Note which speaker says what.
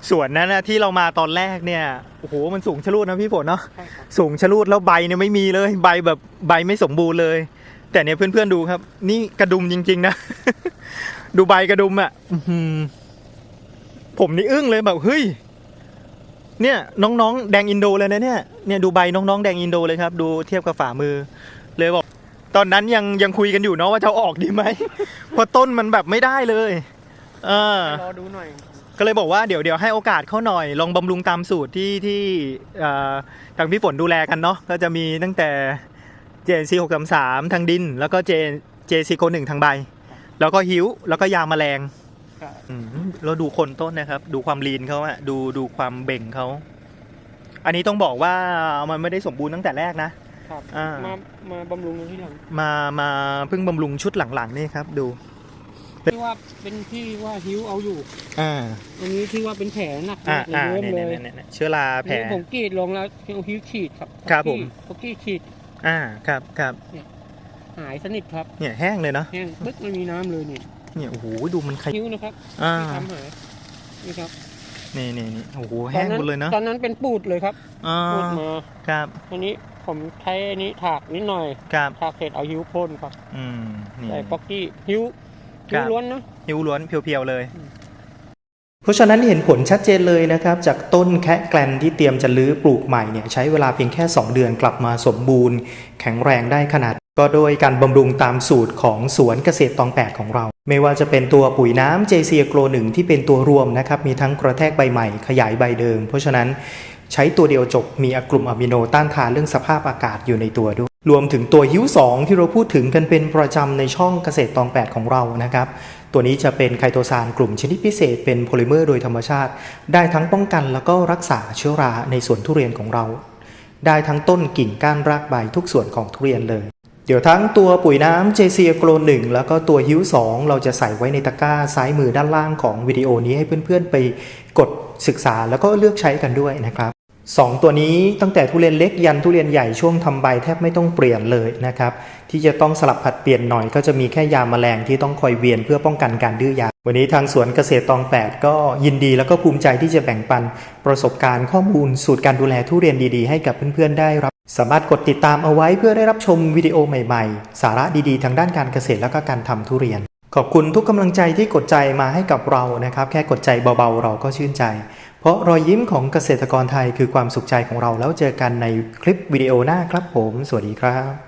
Speaker 1: สวนนั้นนะที่เรามาตอนแรกเนี่ยโอ้โหมันสูงชะลูดนะพี่ฝนเนาะสูงชะลูดแล้วใบเนี่ยไม่มีเลยใบแบบใบไม่สมบูรณ์เลย แต่เนี่ยเพื่อนๆดูครับ นี่กระดุมจริงๆนะ ดูใบกระดุมอ่ะผมนี่อึ้งเลยแบบเฮ้ยเนี่ยน้องๆแดงอินโดเลยนะเนี่ยดูใบน้องๆแดงอินโดเลยครับดูเทียบกับฝ่ามือเลยบอกตอนนั้นยังคุยกันอยู่เนาะว่าจะออกดีไหม เพราะต้นมันแบบไม่ได้เลย
Speaker 2: รอดูหน่อย
Speaker 1: ก็เลยบอกว่าเดี๋ยวให้โอกาสเขาหน่อยลองบำรุงตามสูตรที่ทางพี่ฝนดูแลกันเนาะก็จะมีตั้งแต่ JNC 633ทางดินแล้วก็ JC โค1ทางใบแล้วก็หิวแล้วก็ยาแมลงเราดูคนต้นนะครับดูความลีนเขาอะดูความเบ่งเขาอันนี้ต้องบอกว่ามันไม่ได้สมบูรณ์ตั้งแต่แรกนะครับ
Speaker 2: มาบำรุงที่หลัง
Speaker 1: มาเพิ่งบำรุงชุดหลังๆนี่ครับดู
Speaker 2: ที่ว่าเป็นที่ว่าหิวเอาอยู่อันนี้ที่ว่าเป็นแผลหนักเริ่มเลย
Speaker 1: เชื้อราแผล
Speaker 2: ผมกรีดลงแล้วเอาหิวฉีด
Speaker 1: ครับผม
Speaker 2: กรีดฉีด
Speaker 1: ครับ
Speaker 2: หายสนิทครับ
Speaker 1: เนี่ยแห้งเลยเนาะ
Speaker 2: แห้งปึ๊กไม่มีน้ำเลยเนี่ย
Speaker 1: โอ้โหดูมัน
Speaker 2: หิวนะครับที่ทำหายนี่ครับ
Speaker 1: นี่โอ้โหแห้งหมดเลยเนาะ
Speaker 2: ตอนนั้นเป็นปูดเลยครับปูดมา
Speaker 1: ครับ
Speaker 2: อันนี้ผมใช้อันนี้ถากนิดหน่อยถากเสร็จเอาหิวพ่นครับแต่ป๊อกกี้หิวล้วนนะ
Speaker 1: หิวล้วนเพียวๆเลยเพราะฉะนั้นเห็นผลชัดเจนเลยนะครับจากต้นแคะแกลนที่เตรียมจะลื้อปลูกใหม่เนี่ยใช้เวลาเพียงแค่2เดือนกลับมาสมบูรณ์แข็งแรงได้ขนาดก็โดยการบำรุงตามสูตรของสวนเกษตรตอง8ของเราไม่ว่าจะเป็นตัวปุ๋ยน้ำ JC Agro 1ที่เป็นตัวรวมนะครับมีทั้งกระแทกใบใหม่ขยายใบเดิมเพราะฉะนั้นใช้ตัวเดียวจบมีกลุ่มอะมิโนต้านทานเรื่องสภาพอากาศอยู่ในตัวด้วยรวมถึงตัวฮิ้ว2ที่เราพูดถึงกันเป็นประจำในช่องเกษตรตอง8ของเรานะครับตัวนี้จะเป็นไคโตซานกลุ่มชนิดพิเศษเป็นโพลิเมอร์โดยธรรมชาติได้ทั้งป้องกันแล้วก็รักษาเชื้อราในสวนทุเรียนของเราได้ทั้งต้นกิ่งก้านรากใบทุกส่วนของทุเรียนเลยเดี๋ยวทั้งตัวปุ๋ยน้ำ JC Agro 1แล้วก็ตัวฮิ้ว2เราจะใส่ไว้ในตะกร้าซ้ายมือด้านล่างของวิดีโอนี้ให้เพื่อนๆไปกดศึกษาแล้วก็เลือกใช้กันด้วยนะครับ2ตัวนี้ตั้งแต่ทุเรียนเล็กยันทุเรียนใหญ่ช่วงทำใบแทบไม่ต้องเปลี่ยนเลยนะครับที่จะต้องสลับผัดเปลี่ยนหน่อยก็จะมีแค่ยาแมลงที่ต้องคอยเวียนเพื่อป้องกันการดื้อยาวันนี้ทางสวนเกษตรตอง8ก็ยินดีแล้วก็ภูมิใจที่จะแบ่งปันประสบการณ์ข้อมูลสูตรการดูแลทุเรียนดีๆให้กับเพื่อนๆได้รับสามารถกดติดตามเอาไว้เพื่อได้รับชมวิดีโอใหม่ๆสาระดีๆทางด้านการเกษตรและก็การทำทุเรียนขอบคุณทุกกำลังใจที่กดใจมาให้กับเรานะครับแค่กดใจเบาๆเราก็ชื่นใจเพราะรอยยิ้มของเกษตรกรไทยคือความสุขใจของเราแล้วเจอกันในคลิปวิดีโอหน้าครับผมสวัสดีครับ